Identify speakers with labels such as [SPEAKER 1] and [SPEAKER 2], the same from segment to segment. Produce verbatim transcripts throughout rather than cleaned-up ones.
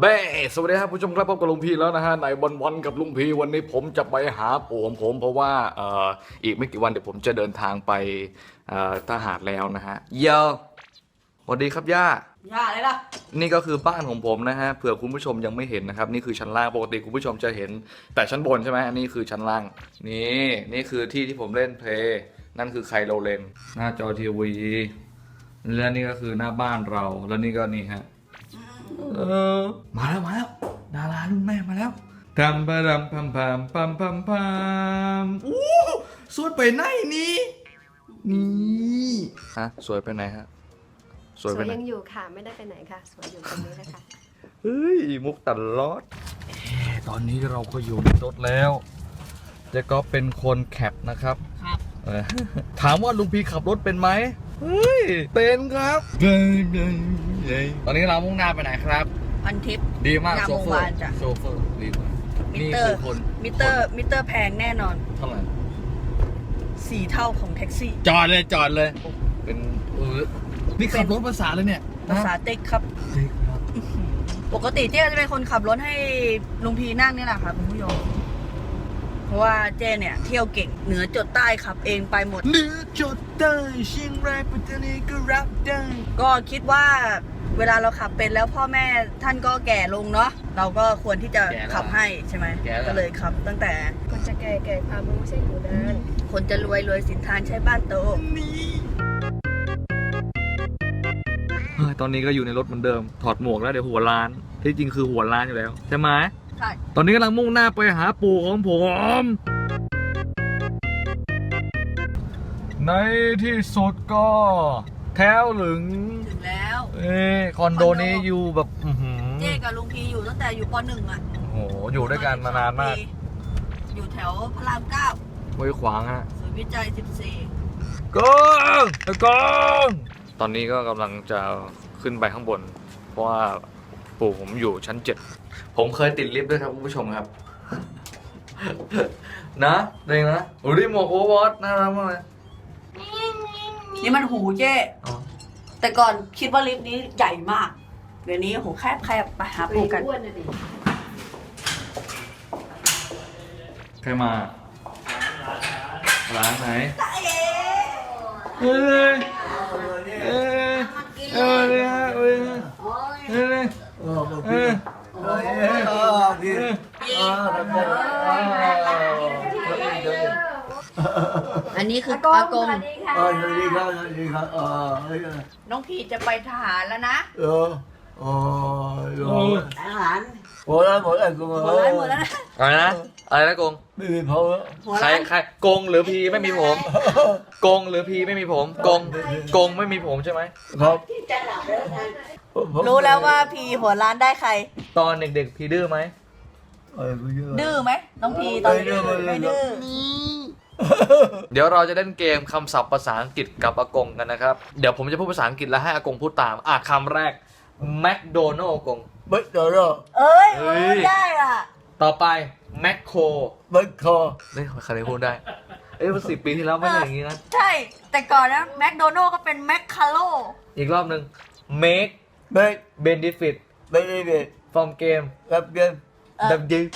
[SPEAKER 1] เบ้สวัสดีครับผู้ชมครับพบกับลุงพีแล้วนะฮะในวันวันกับลุงพีวันนี้ผมจะไปหาปู่ของผมเพราะว่าเอ่ออีกไม่กี่วันเดี๋ยวผมจะเดินทางไปเอ่อทหารแล้วนะฮะเยอะสวัสดีครับย่า
[SPEAKER 2] ย่าอะไรล่ะ
[SPEAKER 1] นี่ก็คือบ้านของผมนะฮะเผื่อคุณผู้ชมยังไม่เห็นนะครับนี่คือชั้นล่างปกติคุณผู้ชมจะเห็นแต่ชั้นบนใช่ไหมอันนี้คือชั้นล่างนี่นี่คือที่ที่ผมเล่นเพลย์นั่นคือไคโลเลนหน้าจอทีวีและนี่ก็คือหน้าบ้านเราแล้วนี่ก็นี่ฮะเออมาแล้วมาแล้วดารารุ่นแม่มาแล้วทำปะรำพัมพัมพัมพัมพัมอู้สวยไปไหนนี่นี่ฮะสวยไปไหนฮะสวยไปไหน
[SPEAKER 3] ยังอยู่ค่ะไม่ได้ไปไหนค่ะสวยอยู่ตรงนี้นะคะ
[SPEAKER 1] เฮ้ยมุกตัดลอดตอนนี้เราก็อยู่ในรถแล้วเจ๊ก็เป็นคนแคปนะครับ
[SPEAKER 2] ครับ
[SPEAKER 1] ถามว่าลุงพีขับรถเป็นไหมเฮ้ยเป็นครับตอนนี้เรามุ่งหน้าไปไหนครับ
[SPEAKER 2] พันทิป
[SPEAKER 1] ดีมากโซเฟอร์โซเฟอร์ดีมาก
[SPEAKER 2] มิเตอร์มิเตอร์มิเตอร์แพงแน่นอน
[SPEAKER 1] เท่าไหร่
[SPEAKER 2] สี่เท่าของแท็กซี่
[SPEAKER 1] จอดเลยจอดเลยเป็นเออนี่ขับรถภาษาเลยเนี่ย
[SPEAKER 2] ภาษาเต็กครับปกติเจ๊จะเป็นคนขับรถให้ลุงพีนั่งนี่แหละค่ะคุณผู้ชมเพราะว่าเจ๊เนี่ยเที่ยวเก่งเหนือจดใต้ขับเองไปหมด
[SPEAKER 1] เหนือจดใต้เชียงรายปัตตานีก็รับได้
[SPEAKER 2] ก็คิดว่าเวลาเราขับเป็นแล้วพ่อแม่ท่านก็แก่ลงเนาะเราก็ควรที่จะขับให้ใช่ไหมก็เลยขับตั้งแต่
[SPEAKER 3] คนจะแก่แก่ความรู้ใช่อยู่นาน
[SPEAKER 2] คนจะรวยรวยสินทานใช้บ้านโต
[SPEAKER 1] ตอนนี้ก็อยู่ในรถเหมือนเดิมถอดหมวกแล้วเดี๋ยวหัวล้านที่จริงคือหัวล้านอยู่แล้วใช่ไหม
[SPEAKER 2] ใช่
[SPEAKER 1] ตอนนี้กำลังมุ่งหน้าไปหาปู่ของผมในที่สุดก็แถวหลึง
[SPEAKER 2] ถึงแล้ว
[SPEAKER 1] เอ้คอนโดนี้อยู่แบบ
[SPEAKER 2] เจ๊กับลุงพีอยู่ตั้งแต่อยู่ป.หนึ่ง อ่ะ
[SPEAKER 1] โอ้โหอยู่ด้วยกันมานานมาก
[SPEAKER 2] อยู่แถวพระรามเก้า
[SPEAKER 1] ห้วยขวางฮะ
[SPEAKER 2] ศูนย์วิจัยสิบสี่
[SPEAKER 1] กองกองตอนนี้ก็กำลังจะขึ้นไปข้างบนเพราะว่าปู่ผมอยู่ชั้นเจ็ดผมเคยติดลิฟต์ด้วยครับคุณผู้ชมครับนะเด้งนะโอ้ยหมวกโอเวอร์วอทน่ารักมากเลย
[SPEAKER 2] นี่มันหูเจ๊แต่ก่อนคิดว่าลิฟต์นี้ใหญ่มากเดี๋ยวนี้โหแคบแคบไปหาปู่กัน
[SPEAKER 1] ใครมาร้านไหนเฮ้ยเอ้ยเอ้ยเอ้ยเอ้ยเอ้ยเอ้ย
[SPEAKER 2] อันนี้คืออากง
[SPEAKER 4] เออสวัสดีครับสวัสดีครับเออ
[SPEAKER 2] น้องพีจะไปทหารแล้วนะ
[SPEAKER 4] เออโอ้ยทหารหมดแล้วหมดแล้วกูหมดแล้ว
[SPEAKER 2] หมดแล้วนะ
[SPEAKER 1] อะไรนะอะไรนะกง
[SPEAKER 4] ไม่มีผม
[SPEAKER 1] ใครใครกงหรือพีไม่มีผมกงหรือพีไม่มีผมกงกงไม่มีผมใช่ไหม
[SPEAKER 4] ครับ
[SPEAKER 2] รู้แล้วว่าพีหัวร้านได้ใคร
[SPEAKER 1] ตอนเด็กๆพีดื้อไหม
[SPEAKER 2] ดื้อไหมน้องพีตอนดื้อไม่ดื้อ
[SPEAKER 1] เดี๋ยวเราจะเล่นเกมคำศัพท์ภาษาอังกฤษกับอากงกันนะครับเดี๋ยวผมจะพูดภาษาอังกฤษแล้วให้อากงพูดตามอ่ะคำแรกแมคโดนัลล์กง
[SPEAKER 4] แมคโดนัลล์
[SPEAKER 2] เอ้ยได้อ่ะ
[SPEAKER 1] ต่อไปแมคโคร
[SPEAKER 4] แมคโคร
[SPEAKER 1] นี่ใครพูดได้เอ้ยสิบปีที่แล้วไม่ใช่อย่างนี้นะ
[SPEAKER 2] ใช่แต่ก่อนนะแมคโดนัลล์ก็เป็นแมคคาโล
[SPEAKER 1] อีกรอบหนึ่ง make
[SPEAKER 4] make
[SPEAKER 1] benefit
[SPEAKER 4] benefit
[SPEAKER 1] from game
[SPEAKER 4] กับเกม
[SPEAKER 1] ดับยิง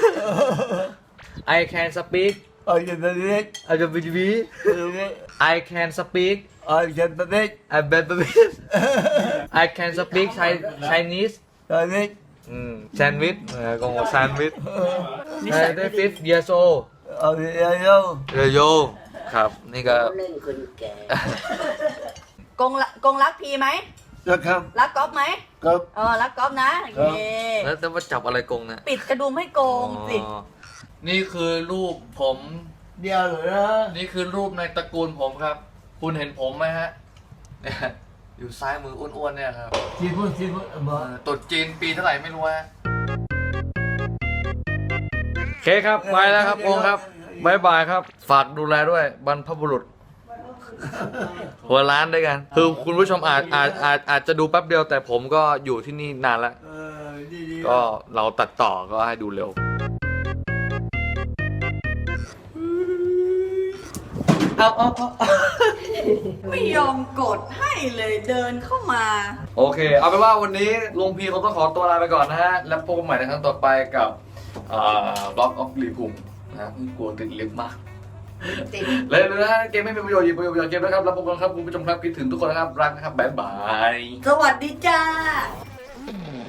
[SPEAKER 1] I can speak
[SPEAKER 4] I can speak
[SPEAKER 1] I can speak I can speak
[SPEAKER 4] I can speak
[SPEAKER 1] I can speak I can speak Chinese
[SPEAKER 4] Chinese
[SPEAKER 1] อืมแซนด์วิชเออกงแซนด์วิชได้ฟิฟเยโซ
[SPEAKER 4] เอาเยโย
[SPEAKER 1] เยโยครับนี่ก็
[SPEAKER 4] เล่นคนแก่
[SPEAKER 2] กงกงรักพีไหม
[SPEAKER 4] รักครับ
[SPEAKER 2] รักก๊อฟไหม
[SPEAKER 4] ครับ
[SPEAKER 2] เออรักก๊อฟนะเย้
[SPEAKER 1] แล้วจะมาจับอะไรกงนะ
[SPEAKER 2] ปิดกระดุมให้โกงสิ
[SPEAKER 1] นี่คือรูปผม
[SPEAKER 4] เดียวเลยนะ
[SPEAKER 1] นี่คือรูปในตระกูลผมครับคุณเห็นผมไหมฮะอยู่ซ้ายมืออ้วนๆเนี่ยครับ
[SPEAKER 4] จีนพูดจีนพูดมา
[SPEAKER 1] ตุดจีนปีเท่าไหร่ไม่รู้ฮะโอเคครับไปแล้วครับองค์ครับบายบายครับฝากดูแลด้วยบรรพบุรุษหัวร้านด้วยกันคือคุณผู้ชมอาจอาจอาจอาจจะดูแป๊บเดียวแต่ผมก็อยู่ที่นี่นานแล้วก็เราตัดต่อก็ให้ดูเร็วเอาเอาเอา
[SPEAKER 2] ไม่ยอมกดให้เลยเดินเข้ามา
[SPEAKER 1] โอเค เอาเป็นว่าวันนี้ลุงพีเขาต้องขอตัวลาไปก่อนนะฮะ แล้วพบกันใหม่ในครั้งต่อไปกับบล็อกออฟรีพุงนะกลัวติดลิฟต์มาก
[SPEAKER 3] ติด
[SPEAKER 1] เลยเลยนะฮะเกมไม่มีประโยชน์หยิบประโยชน์จากเกมนะครับแล้วพบกันครับคุณผู้ชมครับคิดถึงทุกคนนะครับรักนะครับบ๊ายบาย
[SPEAKER 2] สวัสดีจ้า
[SPEAKER 1] บ